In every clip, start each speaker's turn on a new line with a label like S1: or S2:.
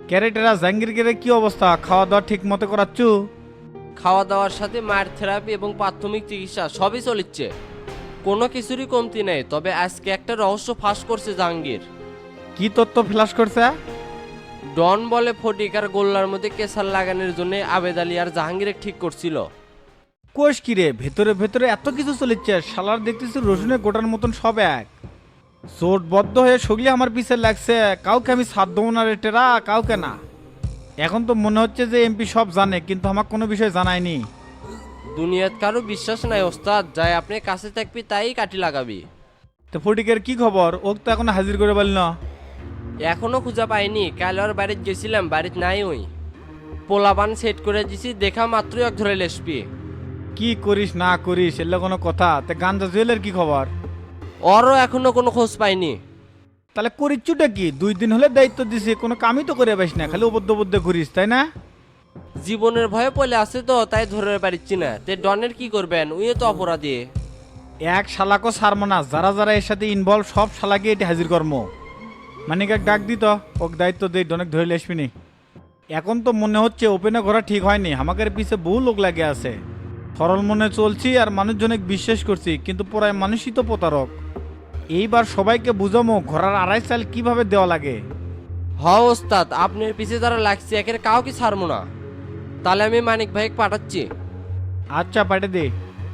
S1: ক্যারেটেরা জাহাঙ্গীরকে কি অবস্থা, খাওয়া দাওয়া ঠিক মতো করাচ্ছু?
S2: খাওয়া দাওয়ার সাথে মায়ের থেরাপি এবং প্রাথমিক চিকিৎসা সবই চলিচ্ছে, কোনো কিছুরই কমতি নেই। তবে আজকে একটা রহস্য ফাঁস করছে জাহাঙ্গীর।
S1: কি তথ্য ফ্ল্যাশ করছে?
S2: ডন বলে ফটিক আর গোল্লার মধ্যে কেসার লাগানোর জন্য আবেদ আলী আর জাহাঙ্গীর ঠিক করছিল।
S1: কোষ কিরে, ভেতরে ভেতরে এত কিছু চলিচ্ছে, শালার দেখতেছি রসুনে গোটার মতন সব এক। চোটবদ্ধ হয়ে সগলি আমার পিছে লাগছে, কাউকে আমি সাথ দেবো না রে টেরা, কাউকে না। এখন তো মনে হচ্ছে যে এমপি সব জানে, কিন্তু আমাকে কোনো বিষয় জানায়নি।
S2: দুনিয়াত কারো বিশ্বাস নাই ওস্তাদ, যাই আপনি কাছে থাকবি তাই কাটি লাগাবি।
S1: তো ফটিকের কি খবর? ওকে তো এখনো হাজির করে বলল না।
S2: এখনো খুঁজে পাইনি, কাল আর বাড়িতে গেছিলাম, বাড়িতে নাই। ওই পোলাবান সেট করে দিছি, দেখা মাত্রই এক ধরে লেসপি।
S1: কি করিস না করিস এলে কোনো কথা? তে গাঞ্জা জুয়েলের কি খবর?
S2: ওরও এখনো কোনো খোঁজ পাইনি।
S1: তাহলে করিচ্ছুটা কি? 2 দিন হলে দায়িত্ব দিছি, কোনো কামই তো করে পাইস না, খালি অবদ্ধ বদ্ধ ঘুরিস, তাই না?
S2: জীবনের ভয়ে পড়ে আছে তো, তাই ধরে পারিচ্ছি না। তে ডনের কি করবেন, উইও তো অপরাধী।
S1: এক শালাকো সারমো না, যারা যারা এর সাথে ইনভলভ সব শালাকে এটি হাজির কর্ম। মানিক এক ডাক দিত, ওকে দায়িত্ব দিই, অনেক ধরে আসবিনি। এখন তো মনে হচ্ছে ওপেনে ঘোরা ঠিক হয়নি, আমাদের পিছে বহু লোক লাগে আছে। সরল মনে চলছি আর মানুষজনকে বিশ্বাস করছি, কিন্তু পড়ায় মানুষই তো প্রতারক। এইবার সবাইকে বুঝামো ঘোরার 2.5 চাল কিভাবে দেওয়া লাগে।
S2: হ ওস্তাদ, আপনার পিছে যারা লাগছে একের কাউ কি ছাড়বো না। তাহলে আমি মানিক ভাইকে পাঠাচ্ছি।
S1: আচ্ছা, পাঠিয়ে দে।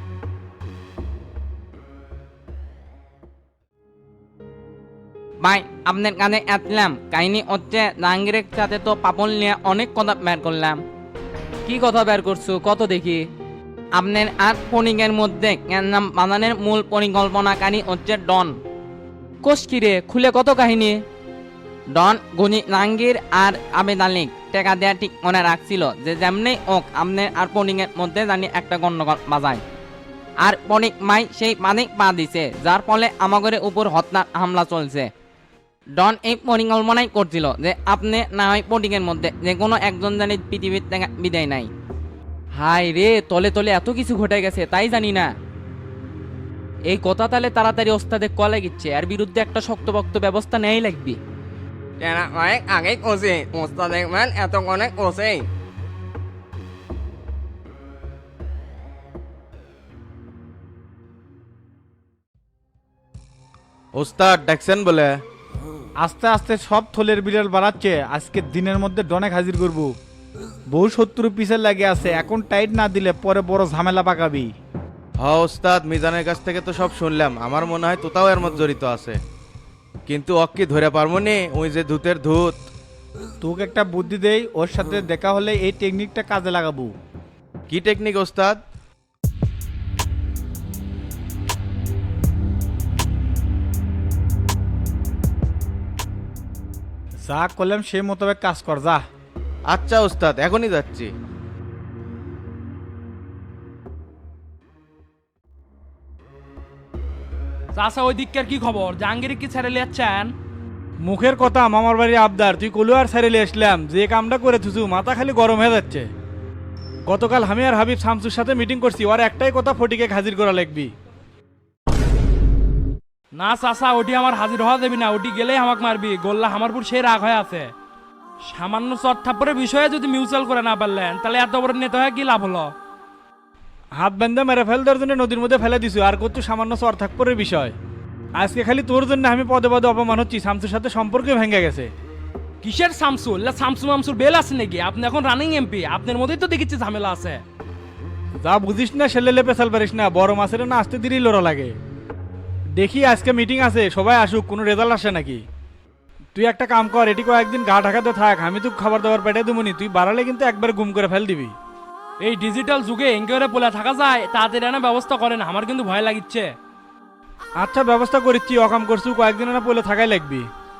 S3: ভাই আপনার কাছে আসলাম, কাহিনী হচ্ছে জাহাঙ্গীরের সাথে তো পাপন নিয়ে অনেক কথা বের করলাম।
S4: কি কথা বের করছো, কত দেখি।
S3: আপনার আর ফণিকের মধ্যে নাম বানানোর মূল পরিকল্পনাকারী হচ্ছে ডন।
S4: কোষ কিরে, খুলে কত কাহিনী।
S3: ডন গুনি জাহাঙ্গীর আর আবেদ আলী টেকা দেওয়া ঠিক মনে রাখছিল যে যেমনি ওক আপনার আর ফণিকের মধ্যে জানি একটা গন্ডগোল বাজায়। আর ফণিক মাই সেই মানিক পা দিছে, যার ফলে আমাদের উপর হত্যার হামলা চলছে। ডন এই পরিকল্পনাই করছিল যে আপনি না হয় ফটিকের মধ্যে যে কোনো একজন জানি পৃথিবীর থেকে বিদায় নাই।
S4: হাই রে, তলে তলে এত কিছু ঘটে গেছে তাই জানি না। এই কথা তাহলে তাড়াতাড়ি ওস্তাদে কলে গিচ্ছে, আর বিরুদ্ধে একটা শক্তপোক্ত ব্যবস্থা নেই লাগবে।
S3: এরা অনেক আগেই করছে, ওস্তাদ দেখবেন এত অনেক করছে।
S5: ওস্তাদ ডাকছেন বলে?
S1: আস্তে আস্তে সব থলের বিড়াল বাড়াচ্ছে, আজকে দিনের মধ্যে ডনেক হাজির করব। বহু শত্রু পিছে লাগে আছে, এখন টাইট না দিলে পরে বড় ঝামেলা পাকাবি।
S5: হ্যাঁ ওস্তাদ, মিজানের কাছ থেকে তো সব শুনলাম, আমার মনে হয় তোতাও এর মধ্যে জড়িত আছে। কিন্তু অক্কি ধরে পারবো নি, ওই যে ধূতের ধূত।
S1: তোকে একটা বুদ্ধি দেই, ওর সাথে দেখা হলে এই টেকনিকটা কাজে লাগাবো।
S5: কি টেকনিক ওস্তাদ?
S1: যা করলাম সেই মোতাবেক কাজ কর, যা।
S5: আচ্ছা ওস্তাদ, এখনই যাচ্ছি।
S6: চাষা ওই দিককার কি খবর, জাহাঙ্গীর কি ছেড়ে লিয়াচ্ছেন?
S1: মুখের কথা মামার বাড়ির আবদার, তুই কলু আর সারিলে আসলাম, যে কামটা করে থুসু মাথা খালি গরম হয়ে যাচ্ছে। গতকাল আমি আর হাবিব শামসুর সাথে মিটিং করছি, ওর একটাই কথা, ফটিকে হাজির করা লাগবি।
S6: না চাষা, ওটি আমার হাজির হওয়া দেবি না, ওটি গেলেই আমাকে মারবি। গোল্লা হামারপুর সেই রাগ হয়ে আছে। সামান্য চট থাপ্পড়ের বিষয়ে যদি মিউচুয়াল করে না পারলেন, তাহলে এত বড় নেতা হয়ে কি লাভ হলো?
S1: হাত বেঁধে মেরে ফেল দেওয়ার জন্য নদীর মধ্যে ফেলে দিছু, আর করছু সামান্য চর থাকপরের বিষয়। আজকে খালি তোর জন্য আমি পদে পদে অপমান হচ্ছি, শামসুর সাথে সম্পর্কে ভেঙে গেছে।
S6: কিসের শামসুল? শামসু মামসুর বেল আছে নাকি? আপনি এখন রানিং এমপি, আপনার মধ্যেই তো দেখেছি ঝামেলা আছে।
S1: যা বুঝিস না সেলেলে পেছাল পারিস না, বড় মাছের না আসতে দেরি লড়া লাগে। দেখি আজকে মিটিং আছে, সবাই আসুক, কোনো রেজাল্ট আসে নাকি। তুই একটা কাম কর, এটি কয়েকদিন গা ঢাকাতে থাক, আমি তো খাবার দাবার পেটে দেবনি, তুই বাড়ালে কিন্তু একবার গুম করে ফেল দিবি।
S6: এই ডিজিটাল যুগে এঙ্কেরে বলে থাকা যায়, তাদের এনে ব্যবস্থা করেন, আমার কিন্তু ভয় লাগিচ্ছে।
S1: আচ্ছা ব্যবস্থা করিচ্ছি, অকাম করছু, কয়েকদিন না পড়লে থাকাই লাগবি।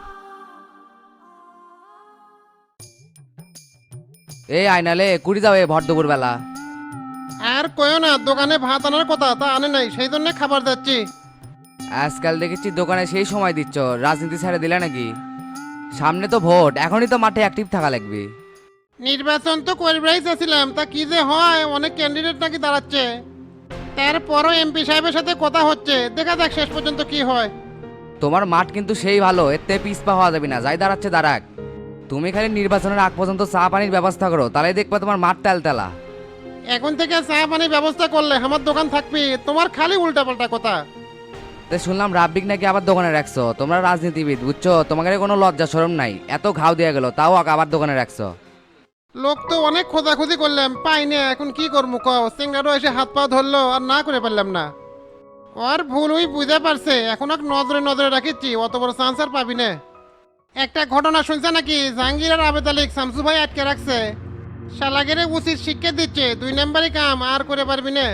S7: এই আইনালে কুড়ি যাও ভর দুপুর বেলা।
S8: আর কয়ও না, দোকানে ভাত আনার কথা, তা আনে নাই, সেই জন্য খাবার যাচ্ছি।
S7: আজকাল দেখেছি দোকানে সেই সময় দিচ্ছ, রাজনীতি ছেড়ে দিলে নাকি? সামনে তো ভোট, এখনই তো মাঠে অ্যাক্টিভ থাকা লাগবে।
S8: নির্বাচন তো করবেই চাচ্ছিলাম, তা কি যে হয়, অনেক ক্যান্ডিডেট নাকি দাঁড়াচ্ছে। তারপরও এমপি সাহেবের সাথে কথা হচ্ছে, দেখা যাক শেষ পর্যন্ত কি হয়।
S7: তোমার মাঠ কিন্তু সেই ভালো, এতে পিছপা হওয়া যাবে না, যাই দাঁড়াচ্ছে দাঁড়াক। তুমি খালি নির্বাচনের আগ পর্যন্ত চা পানির ব্যবস্থা করো, তাহলে দেখবা তোমার মাঠ তেলতেলা।
S8: এখন থেকে চা পানির ব্যবস্থা করলে আমার দোকান থাকবি, তোমার খালি উল্টাপাল্টা কথা।
S7: তো শুনলাম রাব্বিক নাকি আবার দোকানে রাখছো, তোমরা রাজনীতিবিদ বুঝছো, তোমাদের কোনো লজ্জা শরম নাই, এত ঘাও দেওয়া গেল তাও আবার দোকানে রাখছো।
S8: লোক তো অনেক খোঁজাখুঁজি করলাম পাই না, এখন কি করবো কও, সিঙ্গারও এসে হাত পা ধরলো আর না করে পারলাম না। ওর ভুল ওই বুঝে পারছে, এখন এক নজরে নজরে রাখিছি, অত বড় চান্স আর পাবি না। একটা ঘটনা শুনছে নাকি, জাহাঙ্গীর আর আবেদ আলী শামসু ভাই আটকে রাখছে, শালাগেরে উচিত শিক্ষা দিচ্ছে, 2 নম্বরই কাম আর করে পারবি না।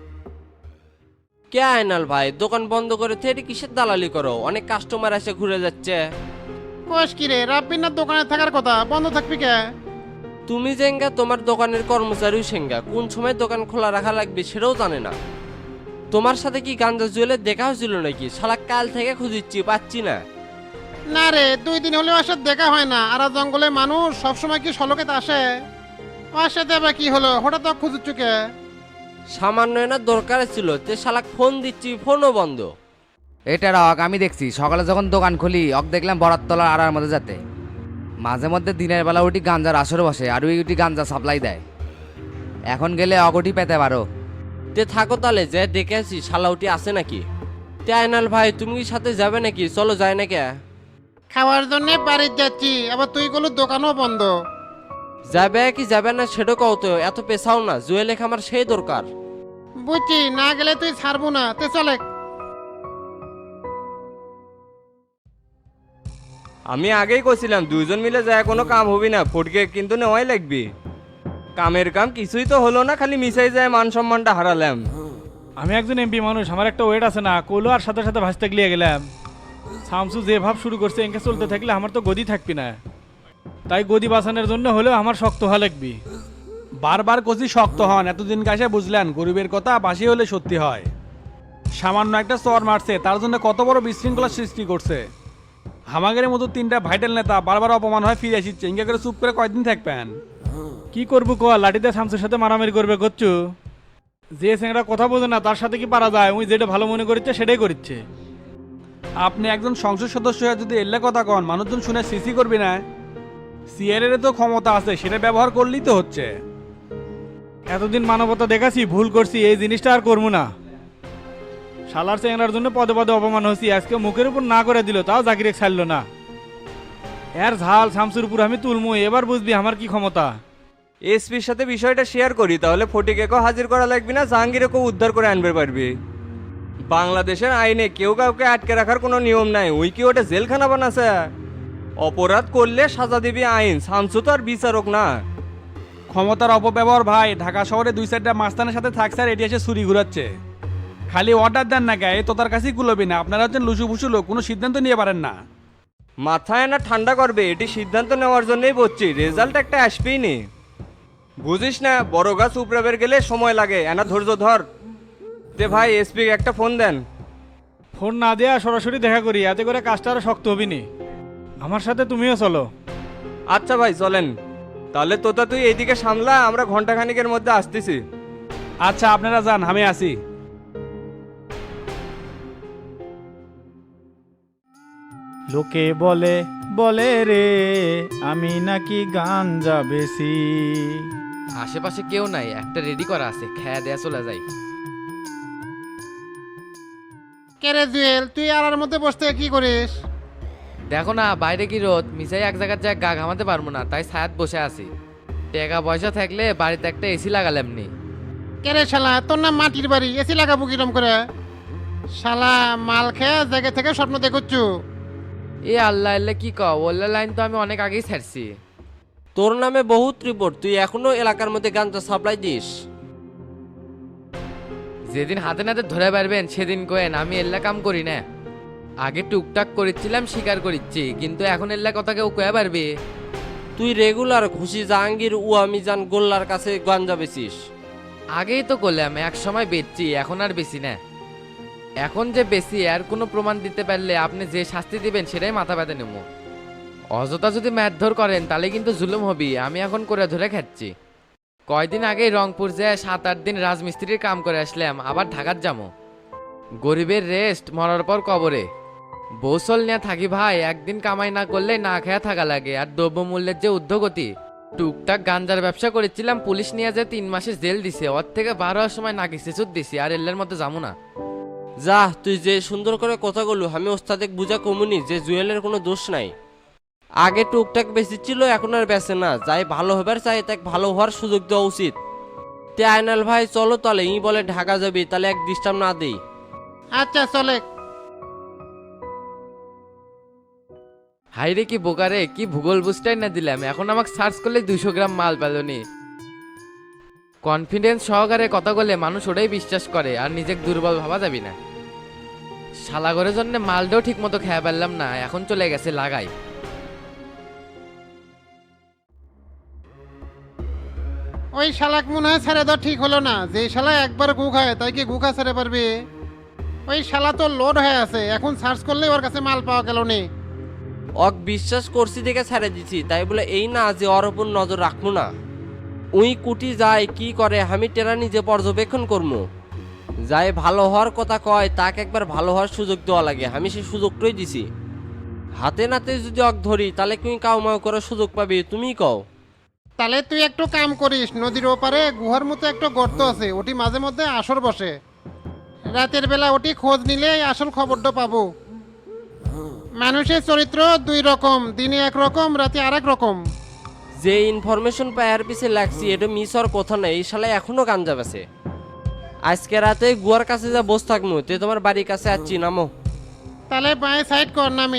S2: কে আয়নাল ভাই, দোকান বন্ধ করে থেরি কিসের দালালি করো? অনেক কাস্টমার এসে ঘুরে যাচ্ছে।
S8: কোষ কিরে, রাব্বিনার দোকানে থাকার কথা, বন্ধ থাকবি কে?
S2: তুমি জেঙ্গা, তোমার দোকানের কর্মচারীও সেঙ্গা, কোন সময় দোকান খোলা রাখা লাগবে সেটাও জানে না। তোমার সাথে কি গাঞ্জা জুয়েলের দেখা হয়েছিল নাকি? শালা কাল থেকে খুঁজিচ্ছি, পাচ্ছি না।
S8: না রে, 2 দিন হলেও ওর সাথে দেখা হয় না, আর জঙ্গলে মানুষ সবসময় কি সলকেতে আসে? ওর সাথে আবার কি হলো, হঠাৎ খুঁজুচ্ছু কে?
S2: সামান্য না দরকার ছিল, তে শালাক ফোন দিচ্ছি, ফোনও বন্ধ।
S7: এটা রাখ, আমি দেখছি সকালে যখন দোকান খুলি দেখলাম বরাততলার আড়ার মধ্যে যাতে, মাঝে মধ্যে দিনের বেলা উঠি গাঞ্জার আসর বসে আর ওই উঠি গাঞ্জা সাপ্লাই দেয়। এখন গেলে অগটি পেতে পারো।
S2: তে থাকো তাহলে, যে দেখে আসি শালাউটি আছে নাকি। তে আয়নাল ভাই, তুমি কি সাথে যাবে নাকি? চলো যায় না কে?
S8: খাওয়ার জন্য বাড়িতে যাচ্ছি, আবার তুই গেলো দোকানও বন্ধ।
S2: যাবে কি যাবে না সেটা কও তো, এত পেছাও না, জুয়েল আমার সেই দরকার।
S8: বুঝছি, না গেলে তুই ছাড়বো না, তে চলে।
S9: আমি আগেই কইছিলাম 2জন মিলে যায় কোনো কাম হবি না, ফটকে কিন্তু নেওয়াই লাগবে। কামের কাম কিছুই তো হলো না, খালি মিশাই যায়, মান সম্মানটা হারালাম।
S1: আমি একজন এমপি মানুষ, আমার একটা ওয়েট আছে না, কইলো আর সাথে সাথে ভাসতে গলিয়ে গেলাম। শামসু যে ভাব শুরু করছে, এঁকে চলতে থাকলে আমার তো গদি থাকবি না, তাই গদি বাঁচানোর জন্য হলেও আমার শক্ত হওয়া লাগবি।
S10: বারবার কচি শক্ত হন, এতদিন কাছে বুঝলেন গরিবের কথা বাসি হলে সত্যি হয়। সামান্য একটা চর মারছে, তার জন্য কত বড় বিশৃঙ্খলা সৃষ্টি করছে। হামাগের মতো 3টা ভাইটাল নেতা বারবার অপমান হয় ফিরে আসছে, ইঙ্গা করে চুপ করে কয়দিন থাকবেন?
S1: কি করবো ক, লাঠিতে শামসুর সাথে মারামারি করবে করছু? যে স্যাংরা কথা বোঝে না তার সাথে কি পারা যায়? উনি যেটা ভালো মনে করছে সেটাই করছে।
S10: আপনি একজন সংসদ সদস্য হয়ে যদি এল্লা কথা কন, মানুষজন শুনে সিসি করবি না? সিআরের তো ক্ষমতা আছে, সেটা ব্যবহার করলেই তো হচ্ছে।
S1: এতদিন মানবতা দেখাছি, ভুল করছি, এই জিনিসটা আর করবো না। শালার চ্যাংরার জন্য পদে পদে অপমান হচ্ছি, আজকে মুখের উপর না করে দিল, তাও জাকিরে ছাড়লো না। এর ঝাল শামসুর উপর আমি তুলমু, এবার বুঝবি আমার কি ক্ষমতা।
S9: এসপির সাথে বিষয়টা শেয়ার করি, তাহলে ফটিকেও হাজির করা লাগবে না, জাহাঙ্গীরকেও উদ্ধার করে আনবে পারবি। বাংলাদেশের আইনে কেউ কাউকে আটকে রাখার কোনো নিয়ম নাই, ওই কি ওটা জেলখানা বানাছে? অপরাধ করলে সাজা দিবি আইন, শামসু তো আর বিচারক না।
S10: ক্ষমতার অপব্যবহার ভাই, ঢাকা শহরে 2-4টা মাস্তানের সাথে থাকছে আর এটি এসে ছুরি ঘুরাচ্ছে। খালি অর্ডার দেন না গায়ে, তো তার কাছেই কুলবি না। আপনারা হচ্ছেন লুসু ফুসু লোক, কোনো সিদ্ধান্ত নিয়ে পারেন না।
S9: মাথায় না ঠান্ডা করবে, এটি সিদ্ধান্ত নেওয়ার জন্যই বলছি, রেজাল্ট একটা আসবেই নি। বুঝিস না, বড় গাছ উপড়াবের গেলে সময় লাগে, এনা ধৈর্য ধর। তে ভাই, এসপি একটা ফোন দেন।
S1: ফোন না দেয়া সরাসরি দেখা করি, এতে করে কাজটা আরো শক্ত হবি নি। আমার সাথে তুমিও চলো।
S9: আচ্ছা ভাই চলেন, তাহলে তোতা তুই এইদিকে সামলা, আমরা ঘন্টাখানিকের মধ্যে আসতেছি।
S10: আচ্ছা আপনারা যান, আমি আসি।
S1: লোকে বলে বলে রে, আমি নাকি গাঞ্জা বেশি।
S7: আশেপাশে কেউ নাই, একটা রেডি করা আছে, খেয়া দেয়া চলে যাই।
S8: কে রে জুয়েল, তুই আড়ার মধ্যে বসতে কি করিস?
S7: দেখো না বাইরে কি রোদ, মিসাই এক জায়গার যায় গা ঘামাতে পারবো না, তাই ছায়াত বসে আছি। টাকা পয়সা থাকলে বাড়িতে একটা এসি লাগালাম নি।
S8: কে রে শালা, তোর নাম মাটির বাড়ি, এসি লাগাবো কিরম করে? শালা মাল খেয়ে জায়গা থেকে স্বপ্ন দেখুচ্ছু।
S7: এ আল্লাহ আল্লাহ কি কও, ওল্লা লাইন তো আমি অনেক আগেই ছাড়ছি।
S2: তোর নামে বহুত রিপোর্ট, তুই এখনো এলাকার মধ্যে গাঞ্জা সাপ্লাই দিস।
S7: যেদিন হাতে নাতে ধরে পারবেন সেদিন কোয়েন, আমি এল্লা কাম করি না। আগে টুকটাক করেছিলাম, স্বীকার করিচ্ছি, কিন্তু এখন এল্লা কথা কেউ কয়ে পারবে?
S2: তুই রেগুলার খুশি জাহাঙ্গীর উয়ামিজান গোল্লার কাছে গাঞ্জা বেচিস।
S7: আগেই তো করলাম, এক সময় বেচছি, এখন আর বেশি না। এখন যে বেশি আর কোনো প্রমাণ দিতে পারলে আপনি যে শাস্তি দিবেন সেটাই মাথা ব্যথা নেব। অযথা যদি মারধর করেন তাহলে কিন্তু জুলুম হবি, আমি এখন করে ধরে খাচ্ছি। কয়দিন আগেই রংপুর যায় 7-8 দিন রাজমিস্ত্রির কাম করে আসলাম, আবার ঢাকার যাবো। গরিবের রেস্ট, মরার পর কবরে। বৌসল নিয়ে থাকি ভাই, একদিন কামাই না করলে না খেয়া থাকা লাগে। আর দ্রব্যমূল্যের যে ঊর্ধ্বগতি, টুকটাক গাঞ্জার ব্যবসা করেছিলাম, পুলিশ নিয়ে যে 3 মাসের জেল দিছে, ওর থেকে 12 হওয়ার সময় নাকি সেচুত দিছি, আর এল্লের মধ্যে যাবো না।
S2: যা, তুই যে সুন্দর করে কথা বলু, আমি ওস্তাদে বুঝা কমুনি যে জুয়েলের কোনো দোষ নাই। আগে টুকটাক বেশি ছিল, এখন আর বেঁচে না। যাই ভালো হবার চাই তাকে ভালো হওয়ার সুযোগ দেওয়া উচিত। তে আয়নাল ভাই চলো তাহলে, ই বলে ঢাকা যাবি, তাহলে এক ডিস্টার্ব না দেই।
S8: আচ্ছা চলে।
S7: হাইরে কি বোকারে, কি ভূগোল বুঝটাই না দিলাম, এখন আমাকে সার্চ করলে 200 গ্রাম মাল পেলনি। কনফিডেন্স সহকারে কথা বলে মানুষ ওটাই বিশ্বাস করে, আর নিজেকে দুর্বল ভাবা যাবি না। শালাগরের জন্য মালটাও ঠিক মতো খেয়ে পারলাম না, এখন চলে গেছে লাগাই।
S8: ওই শালাক মনে হয় ছেড়ে দেওয়া ঠিক হলো না। যে শালা একবার গু খায় তাই কি গু খা ছেড়ে পারবে? ওই শালা তো লোড হয়ে আছে, এখন সার্চ করলে ওর কাছে মাল পাওয়া গেল নি।
S2: অক বিশ্বাস করছি দেখে ছেড়ে দিছি, তাই বলে এই না যে ওর উপর নজর রাখবো না। উই কুটি যায় কি করে আমি টেরা নিজে পর্যবেক্ষণ করবো। যাই ভালো হওয়ার কথা কয় তাকে একবার ভালো হওয়ার সুযোগ দেওয়া লাগে, আমি সেই সুযোগটাই দিছি। হাতে নাতে যদি অক ধরি তাহলে তুই কাউ মাউ করার সুযোগ পাবি, তুমিই কও।
S8: তাহলে তুই একটু কাম করিস, নদীর ওপারে গুহার মতো একটা গর্ত আছে, ওটি মাঝে মধ্যে আসর বসে। রাতের বেলা ওটি খোঁজ নিলে আসল খবরটা পাবো। মানুষের চরিত্র 2 রকম, দিনে একরকম, রাতে আরেক রকম।
S2: যে ইনফরমেশন পায়ার পিছে লাগছি এটা মিস হওয়ার কথা নেই, এই শালা এখনো গাঞ্জা বেছে। আজকে রাতে গুয়ার কাছে যা বস থাকবো, তে তোমার বাড়ির কাছে আসছি, নামো।
S8: তাহলে বাঁয়ে সাইড কর নামি।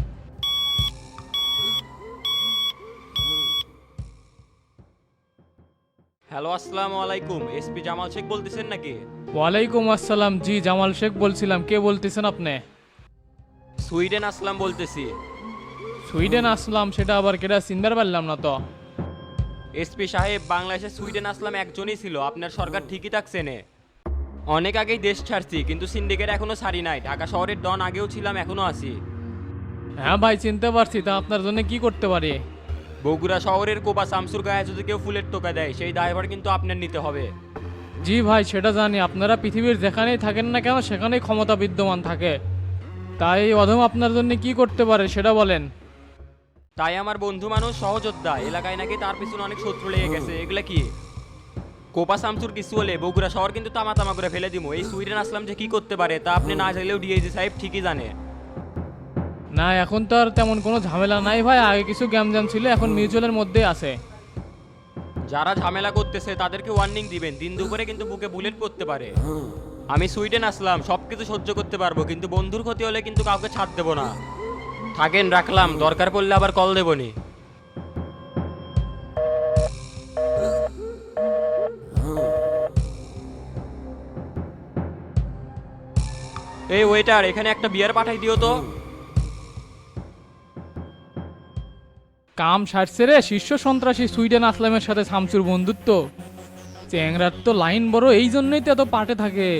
S9: হ্যালো, আসসালামু আলাইকুম। এসপি জামাল শেখ বলতেছেন নাকি?
S6: ওয়ালাইকুম আসসালাম, জি জামাল শেখ বলছিলাম। কে বলতেছেন আপনি?
S9: সুইডেন আসলাম বলতেছি।
S6: সুইডেন আসলাম, সেটা আবার কেটা চিনবার পারলাম না তো।
S9: এসপি সাহেব, বাংলাদেশে সুইডেন আসলাম একজনই ছিল, আপনার সরকার ঠিকই থাকছে নে। অনেক আগেই দেশ ছাড়ছি, কিন্তু সিন্ডিকেট এখনো ছাড়ি নাই। ঢাকা শহরের ডন আগেও ছিলাম, এখনো আছি।
S6: হ্যাঁ ভাই চিনতে পারছি, তা আপনার জন্য কি করতে পারি?
S9: বগুড়া শহরের কোপা শামসুর গায়ে যদি কেউ ফুলের টোকা দেয়, সেই দায়ভার কিন্তু আপনার নিতে হবে।
S6: জি ভাই সেটা জানি, আপনারা পৃথিবীর যেখানেই থাকেন না কেন সেখানেই ক্ষমতা বিদ্যমান থাকে। তাই এই অধম আপনার জন্য কি করতে পারে সেটা বলেন।
S9: তাই আমার বন্ধু মানুষ সহযোদ্ধা, এলাকায় নাকি তার পিছনে অনেক শত্রু লেগে গেছে। এগুলা কি? কোপা শামসুর কিছু হলে বগুড়া শহর কিন্তু তামা তামা করে ফেলে দিব। এই সুইডেন আসলাম যে কি করতে পারে তা আপনি না চাইলেও ডিআইজি সাহেব ঠিকই জানে।
S6: না এখন তো আর তেমন কোনো ঝামেলা নাই ভাই, আগে কিছু গ্যামজাম ছিল, এখন মিউচুয়ালের মধ্যে আছে।
S9: যারা ঝামেলা করতেছে তাদেরকে ওয়ার্নিং দিবেন, দিন দুপুরে কিন্তু বুকে বুলেট করতে পারে। আমি সুইডেন আসলাম, সবকিছু সহ্য করতে পারবো, কিন্তু বন্ধুর ক্ষতি হলে কিন্তু কাউকে ছাড় দেবো না। থাকেন, রাখলাম, দরকার পড়লে আবার কল দেবনি। এই ওয়েটার, এখানে একটা বিয়ার পাঠাই দিও তো।
S6: কাম সারছে রে, শীর্ষ সন্ত্রাসী সুইডেন আসলামের সাথে শামসুর বন্ধুত্ব। চ্যাংরার তো লাইন বড়, এই জন্যই তো এত পাটে থাকে।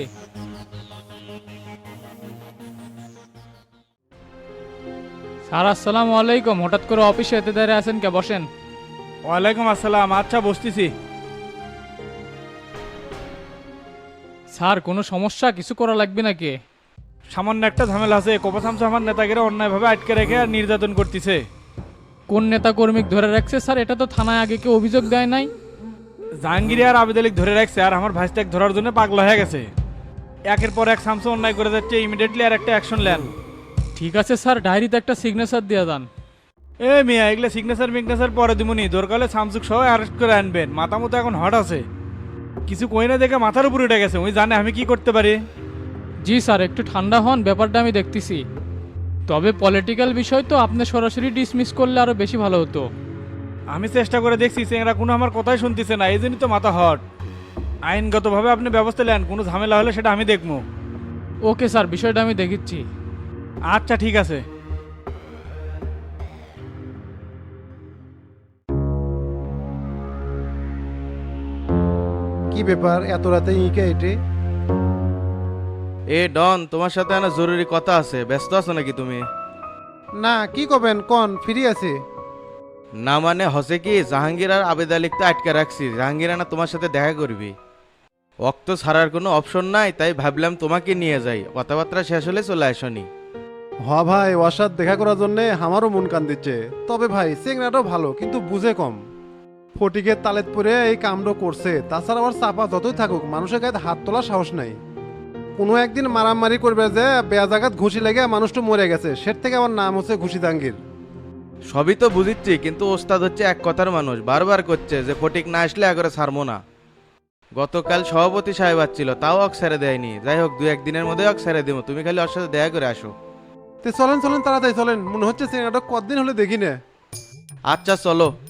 S6: স্যার আসসালামু আলাইকুম, হঠাৎ করে অফিসে এতে দাঁড়িয়ে আছেন কে? বসেন।
S1: ওয়ালাইকুম আসসালাম। আচ্ছা বসতেছি।
S6: স্যার কোনো সমস্যা, কিছু করা লাগবে নাকি?
S1: সামান্য একটা ঝামেলা আছে। কোপা শামসু আমার নেতাগিরা অন্যায়ভাবে আটকে রেখে আর নির্যাতন করতেছে।
S6: কোন নেতা কর্মী ধরে রাখছে স্যার? এটা তো থানায় আগে কেউ অভিযোগ দেয় নাই।
S1: জাহাঙ্গীর আর আবেদ আলীক ধরে রাখছে, আর আমার ভাইস্টাক ধরার জন্য পাগলা হয়ে গেছে। একের পর এক শামসু অন্যায় করে যাচ্ছে, ইমিডিয়েটলি আর একটা অ্যাকশন নেন।
S6: ঠিক আছে স্যার, ডায়েরিতে একটা সিগনেচার দিয়ে দেন।
S1: এ মিয়া, এগুলো সিগনেচার পরে দিমুনি, দরকার হলে শামসুক সহ অ্যারেস্ট করে আনবেন। মাথা মতো এখন হট আছে, কিছু কই না দেখে মাথার উপর উঠে গেছে। ওই জানে আমি কি করতে পারি।
S6: জি স্যার, একটু ঠান্ডা হন, ব্যাপারটা আমি দেখতেছি। তবে পলিটিক্যাল বিষয় তো, আপনি সরাসরি ডিসমিস করলে আরো বেশি ভালো হতো।
S1: আমি চেষ্টা করে দেখছি, চেংরা কোনো আমার কথাই শুনতেছে না, এই জন্যই তো মাথা হট। আইনগতভাবে আপনি ব্যবস্থা নেন, কোনো ঝামেলা হলে সেটা আমি দেখবো।
S6: ওকে স্যার, বিষয়টা আমি দেখিচ্ছি।
S1: আচ্ছা ঠিক আছে।
S8: কি ব্যাপার এত রাতে ইকে এটে?
S5: এ ডন, তোমার সাথে একটা জরুরি কথা আছে, ব্যস্ত আছো নাকি তুমি?
S8: না কি করবেন কোন, ফ্রি আছে।
S5: না মানে হসে কি, জাহাঙ্গীর আর আবেদ আলীক তো আটকে রাখছি, জাহাঙ্গীর না তোমার সাথে দেখা করবি। অক্ত ছাড়ার কোনো অপশন নাই, তাই ভাবলাম তোমাকে নিয়ে যাই, কথাবার্তা শেষ হলে চলে আসনি।
S11: হ ভাই ওর সাথে দেখা করার জন্য আমারও মন কান দিচ্ছে, তবে ভাই চেংড়াটাও ভালো কিন্তু বুঝে কম। ফটিকের তালেত পরে এই কামটা করছে, তাছাড়া আবার চাপা যতই থাকুক মানুষের গায়ে হাত তোলার সাহস নাই। কোনো একদিন মারামারি করবে যে বেয়া জায়গাত ঘুষি লেগে মানুষটা মরে গেছে, সের থেকে আমার নাম হচ্ছে ঘুষি জাহাঙ্গীর।
S5: সবই তো বুঝিচ্ছি, কিন্তু ওস্তাদ হচ্ছে এক কথার মানুষ, বারবার করছে যে ফটিক না আসলে একবারে ছাড়বো না। গতকাল সভাপতি সাহেব আসছিল, তাও অক ছেড়ে দেয়নি। যাই হোক, 2-1 দিনের মধ্যে অক ছেড়ে দিব, তুমি খালি ওর সাথে দেখা করে আসো।
S11: তো চলেন চলেন তাড়াতাড়ি চলেন, মনে হচ্ছে চেংড়াটা কতদিন হলে দেখি না।
S5: আচ্ছা চলো।